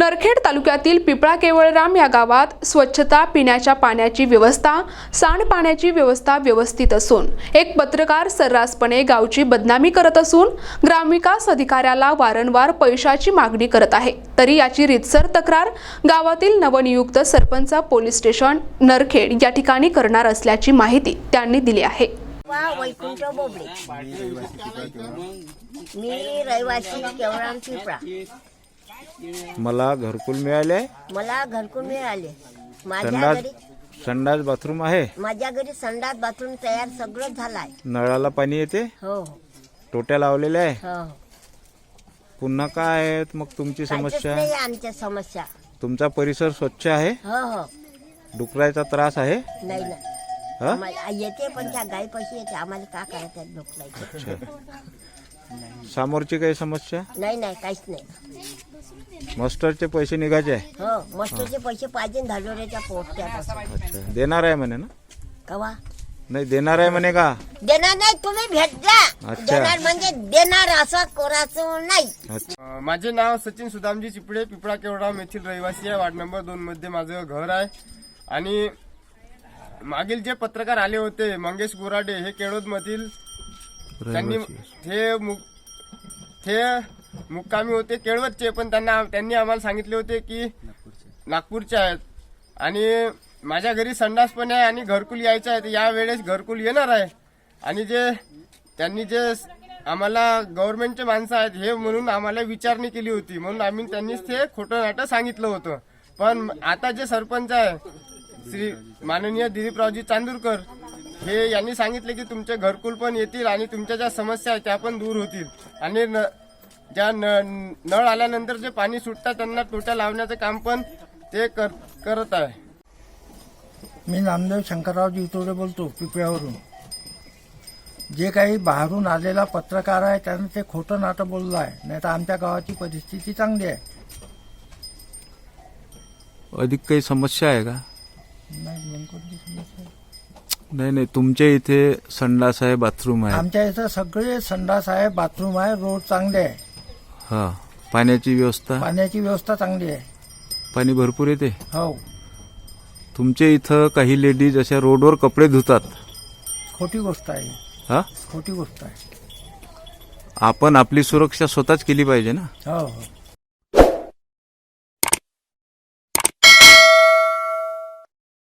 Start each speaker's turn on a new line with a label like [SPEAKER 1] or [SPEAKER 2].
[SPEAKER 1] नरखेड तालुक्यातील पिपळा केवळराम या गावात स्वच्छता, पिण्याच्या पाण्याची व्यवस्था, सांडपाण्याची व्यवस्था व्यवस्थित असून एक पत्रकार सर्रासपणे गावची बदनामी करत असून ग्रामविकास अधिकाऱ्याला वारंवार पैशाची मागणी करत आहे। तरी याची रीतसर तक्रार गावातील नवनियुक्त सरपंच पोलीस स्टेशन नरखेड या ठिकाणी करणार असल्याची माहिती त्यांनी दिली आहे।
[SPEAKER 2] वैकुंठ बोबडे, मी रहिवासी केवळराम पिपळा।
[SPEAKER 3] मला घरकुल मिळाले। माझ्या घरी संडास बाथरूम आहे।
[SPEAKER 2] माझ्या घरी संडास बाथरूम तयार सगळं झालंय।
[SPEAKER 3] नळाला पाणी येते।
[SPEAKER 2] हो,
[SPEAKER 3] टोट्या लावलेल्या आहे।
[SPEAKER 2] हो,
[SPEAKER 3] पुन्हा काय आहे मग तुमची समस्या?
[SPEAKER 2] नाही आमच्या समस्या।
[SPEAKER 3] तुमचा परिसर स्वच्छ आहे?
[SPEAKER 2] हो हो,
[SPEAKER 3] डुकराचा त्रास आहे?
[SPEAKER 2] नाही ना,
[SPEAKER 3] हा?
[SPEAKER 2] आम्हाला येते पण त्या गाई पैसे येते, आम्हाला का करायचं डोकलायचं?
[SPEAKER 3] अच्छा, समोरची काही समस्या
[SPEAKER 2] नाही नाही, काहीच नाही।
[SPEAKER 3] मास्टरचे पैसे निघायचे आहे?
[SPEAKER 2] हो, मस्टरचे पैसे पाहिजे, धाडोऱ्याच्या पोस्ट्यात।
[SPEAKER 3] अच्छा, देणार आहे म्हणे ना?
[SPEAKER 2] कवा
[SPEAKER 3] नाही देणार आहे म्हणे का?
[SPEAKER 2] देणार नाही, तुम्ही भेट द्या।
[SPEAKER 3] अच्छा.
[SPEAKER 2] देणार म्हणजे देणार, असं कोराचं नाही।
[SPEAKER 3] अच्छा,
[SPEAKER 4] माझे नाव सचिन सुदामजी चिपळे, पिपळा केवळराम येथील रहिवासी आहे। वार्ड नंबर 2 मध्ये माझं घर आहे। आणि मागील जे पत्रकार आले होते मंगेश गोराडे, हे केळोद मधील, त्यांनी ते मुक्कामी होते केळवदचे, पण त्यांनी आम्हाला सांगितले होते की नागपूरचे आहेत। आणि माझ्या घरी संडास पण आहे आणि घरकुल यायचं आहे, या वेळेस घरकुल येणार आहे। आणि त्यांनी आम्हाला गव्हर्नमेंटचे माणसं आहेत हे म्हणून आम्हाला विचारणी केली होती, म्हणून त्यांनीच ते खोटं नाटं सांगितलं होतं। पण आता जे सरपंच आहे श्री माननीय दिलीपरावजी चांदूरकर, हे यांनी सांगितले की तुमचे घरकुल पण येतील आणि तुमच्या ज्या समस्या आहेत त्या पण दूर होतील। आणि ज्या नळ आल्यानंतर जे पाणी सुटतात त्यांना टोट्या लावण्याचं काम पण ते करत आहे।
[SPEAKER 5] मी नामदेव शंकरराव जिवतोडे बोलतो, पिपळ्यावरून। जे काही बाहेरून आलेला पत्रकार आहे त्याने ते खोटं नाटं बोललं आहे, नाही तर आमच्या गावाची परिस्थिती चांगली आहे।
[SPEAKER 3] अधिक काही समस्या आहे का?
[SPEAKER 5] नाही, मग कोणती समस्या आहे?
[SPEAKER 3] नाही, तुमच्या इथे संडास आहे, बाथरूम आहे?
[SPEAKER 5] आमच्या इथं सगळे संडास आहे, बाथरूम आहे, रोड चांगले आहे।
[SPEAKER 3] हा, पाण्याची व्यवस्था?
[SPEAKER 5] पाण्याची व्यवस्था चांगली आहे।
[SPEAKER 3] पाणी भरपूर येते?
[SPEAKER 5] हो।
[SPEAKER 3] तुमच्या इथं काही लेडीज अशा रोडवर कपडे धुतात?
[SPEAKER 5] खोटी गोष्ट आहे।
[SPEAKER 3] हा,
[SPEAKER 5] खोटी गोष्ट आहे।
[SPEAKER 3] आपण आपली सुरक्षा स्वतःच केली पाहिजे ना?
[SPEAKER 5] हो हो।